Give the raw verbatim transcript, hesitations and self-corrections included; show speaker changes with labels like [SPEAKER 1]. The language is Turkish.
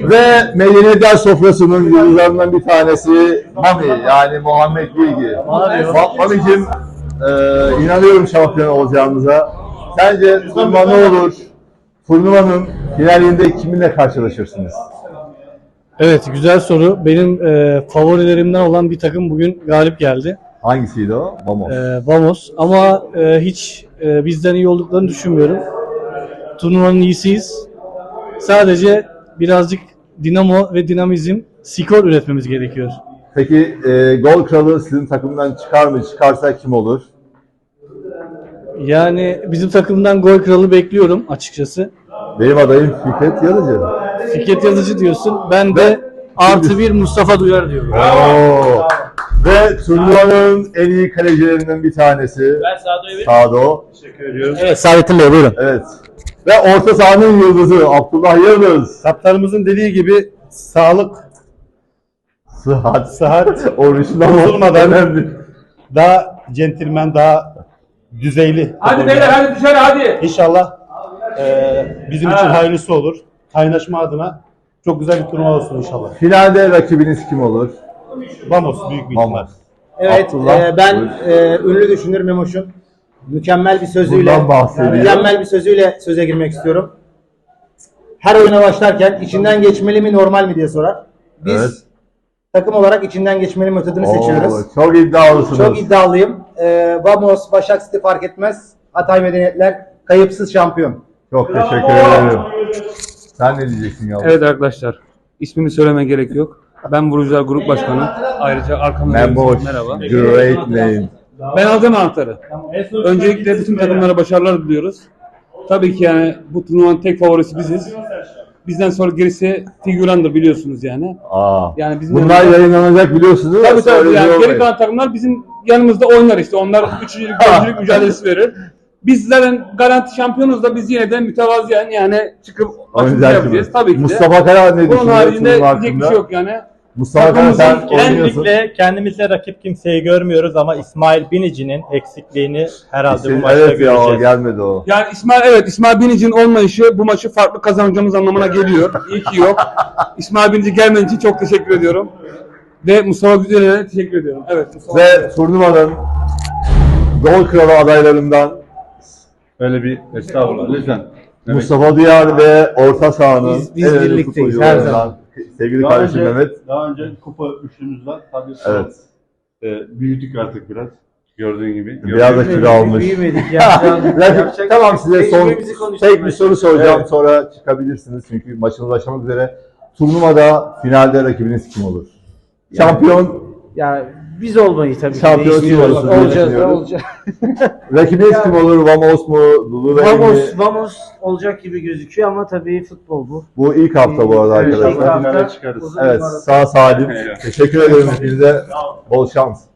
[SPEAKER 1] Ve medeniyetler sofrasının yıldızlarından bir tanesi Mami, yani Muhammed Bilgi. Mami'cim, e, inanıyorum şampiyon olacağımıza. Sence turnuva ne olur? Turnuvanın finalinde kiminle karşılaşırsınız?
[SPEAKER 2] Evet, güzel soru. Benim e, favorilerimden olan bir takım bugün galip geldi.
[SPEAKER 1] Hangisiydi o? Vamos.
[SPEAKER 2] E, Vamos. Ama e, hiç e, bizden iyi olduklarını düşünmüyorum. Turnuvanın iyisiyiz. Sadece birazcık dinamo ve dinamizm, skor üretmemiz gerekiyor.
[SPEAKER 1] Peki e, gol kralı sizin takımdan çıkar mı? Çıkarsa kim olur?
[SPEAKER 2] Yani bizim takımdan gol kralı bekliyorum açıkçası.
[SPEAKER 1] Benim adayım Fikret Yarıcı.
[SPEAKER 2] Fikret Yazıcı diyorsun. Ben de
[SPEAKER 1] Ve-
[SPEAKER 2] artı bir Mustafa Duyar diyorum.
[SPEAKER 1] Oo. Ve turnuvanın en iyi kalecilerinden bir tanesi.
[SPEAKER 3] Ben Sado'yu veririm.
[SPEAKER 1] Sado.
[SPEAKER 3] Teşekkür ediyoruz.
[SPEAKER 2] Evet, Saadettin Bey buyurun.
[SPEAKER 1] Evet. Ve orta sahanın yıldızı Abdullah Yıldız.
[SPEAKER 4] Kaptanımızın dediği gibi sağlık,
[SPEAKER 1] Sıhhat.
[SPEAKER 4] sıhhat,
[SPEAKER 1] Orijinal
[SPEAKER 4] bozulmadan
[SPEAKER 1] önemli.
[SPEAKER 4] daha centilmen, daha düzeyli.
[SPEAKER 3] Hadi beyler hadi dışarı hadi.
[SPEAKER 4] İnşallah eee, bizim için hayırlısı olur. Kaynaşma adına çok güzel bir turnuva olsun inşallah.
[SPEAKER 1] Finalde rakibiniz kim olur?
[SPEAKER 4] Vamos büyük bir ihtimal.
[SPEAKER 1] Vamos.
[SPEAKER 5] Evet,
[SPEAKER 1] Abdullah,
[SPEAKER 5] e, ben
[SPEAKER 1] buyur.
[SPEAKER 5] e, ünlü düşünür Memoş'un mükemmel bir sözüyle,
[SPEAKER 1] Bundan bahsediyor.
[SPEAKER 5] mükemmel bir sözüyle söze girmek istiyorum. Her oyuna başlarken içinden geçmeli mi normal mi diye sorar. Biz
[SPEAKER 1] Evet.
[SPEAKER 5] takım olarak içinden geçmeli metodunu seçiyoruz.
[SPEAKER 1] Oo, çok iddialısınız.
[SPEAKER 5] Çok iddialıyım. E, Vamos, Başak City fark etmez. Hatay Medeniyetler kayıpsız şampiyon.
[SPEAKER 1] Çok teşekkür ederim. Sen ne diyeceksin yavrum?
[SPEAKER 6] Evet arkadaşlar, ismini söyleme gerek yok. Ben Vurucular Grup Başkanı. Ayrıca arkamda
[SPEAKER 1] Memoş.
[SPEAKER 6] merhaba.
[SPEAKER 1] Great name.
[SPEAKER 6] Ben alacağım anahtarı. Öncelikle bütün takımlara başarılar diliyoruz. Tabii ki yani bu turnuvanın tek favorisi biziz. Bizden sonra gerisi figürandır biliyorsunuz yani.
[SPEAKER 1] Aa.
[SPEAKER 6] Yani bizim
[SPEAKER 1] Bunlar yayınlanacak biliyorsunuz.
[SPEAKER 6] Tabii tabii
[SPEAKER 1] Söyle
[SPEAKER 6] yani
[SPEAKER 1] diyor
[SPEAKER 6] geri
[SPEAKER 1] Bey.
[SPEAKER 6] kalan takımlar bizim yanımızda oynar işte. Onlar üçüncülük, dördüncülük mücadelesi verir. Biz zaten garanti şampiyonuz da biz yine de mütevaziyen yani çıkıp maçımızı
[SPEAKER 1] Oynayacak
[SPEAKER 6] yapacağız.
[SPEAKER 1] gibi.
[SPEAKER 6] Tabii ki de.
[SPEAKER 1] Mustafa Kara ne
[SPEAKER 6] Bunun
[SPEAKER 1] düşünüyor
[SPEAKER 6] haricinde
[SPEAKER 1] turnuva
[SPEAKER 6] diyecek bir
[SPEAKER 1] hakkında?
[SPEAKER 6] şey yok yani.
[SPEAKER 1] Mustafa Kara sen
[SPEAKER 6] Takımımızın
[SPEAKER 1] oynuyorsun.
[SPEAKER 7] Kendimizle, kendimizle rakip kimseyi görmüyoruz ama İsmail Binici'nin eksikliğini herhalde bu
[SPEAKER 1] Senin-
[SPEAKER 7] maçta
[SPEAKER 1] evet ya o
[SPEAKER 7] göreceğiz.
[SPEAKER 1] gelmedi o.
[SPEAKER 6] Yani İsmail evet İsmail Binic'in olmayışı bu maçı farklı kazanacağımız anlamına geliyor. İyi ki yok. İsmail Binici gelmediği için çok teşekkür ediyorum. Ve Mustafa Güzel'e de teşekkür ediyorum. Evet Mustafa.
[SPEAKER 1] Ve turnuvanın gol kralı adaylarından
[SPEAKER 4] Öyle bir estağfurullah lütfen.
[SPEAKER 1] Mustafa Duyar ve orta sahanın
[SPEAKER 2] Biz- biz
[SPEAKER 1] en önemli
[SPEAKER 2] birlikteyiz, her
[SPEAKER 1] futbolcularından sevgili
[SPEAKER 4] Daha
[SPEAKER 1] kardeşim
[SPEAKER 4] önce,
[SPEAKER 1] Mehmet.
[SPEAKER 4] daha önce kupa üçlümüz var. Tabii
[SPEAKER 1] Evet.
[SPEAKER 4] e, büyüdük artık biraz. Gördüğün gibi.
[SPEAKER 1] Biraz da kilo almış.
[SPEAKER 5] Büyümedik ya.
[SPEAKER 1] Rakip- tamam size son
[SPEAKER 5] Tecrübemizi konuştuk
[SPEAKER 1] tek bir
[SPEAKER 5] belki.
[SPEAKER 1] soru soracağım
[SPEAKER 5] Evet.
[SPEAKER 1] sonra çıkabilirsiniz çünkü maçınız başlamak üzere. Turnuvada finalde rakibiniz kim olur? Şampiyon
[SPEAKER 5] Ya biz olmayı tabii ki
[SPEAKER 1] Şampiyon
[SPEAKER 5] de istiyoruz.
[SPEAKER 1] olsun diye
[SPEAKER 5] Olacağız,
[SPEAKER 1] düşünüyorum.
[SPEAKER 5] olacağız.
[SPEAKER 1] rakibiniz kim olur? Vamos mu? Lululemon mi?
[SPEAKER 5] Vamos, Vamos olacak gibi gözüküyor ama tabii futbol bu.
[SPEAKER 1] Bu ilk hafta bu arada
[SPEAKER 5] Evet, ilk
[SPEAKER 1] arkadaşlar.
[SPEAKER 5] hafta
[SPEAKER 4] finale çıkarız.
[SPEAKER 5] uzun
[SPEAKER 1] Evet
[SPEAKER 5] bir maraton.
[SPEAKER 1] sağ salim. Teşekkür ederim hepinize. Bol şans.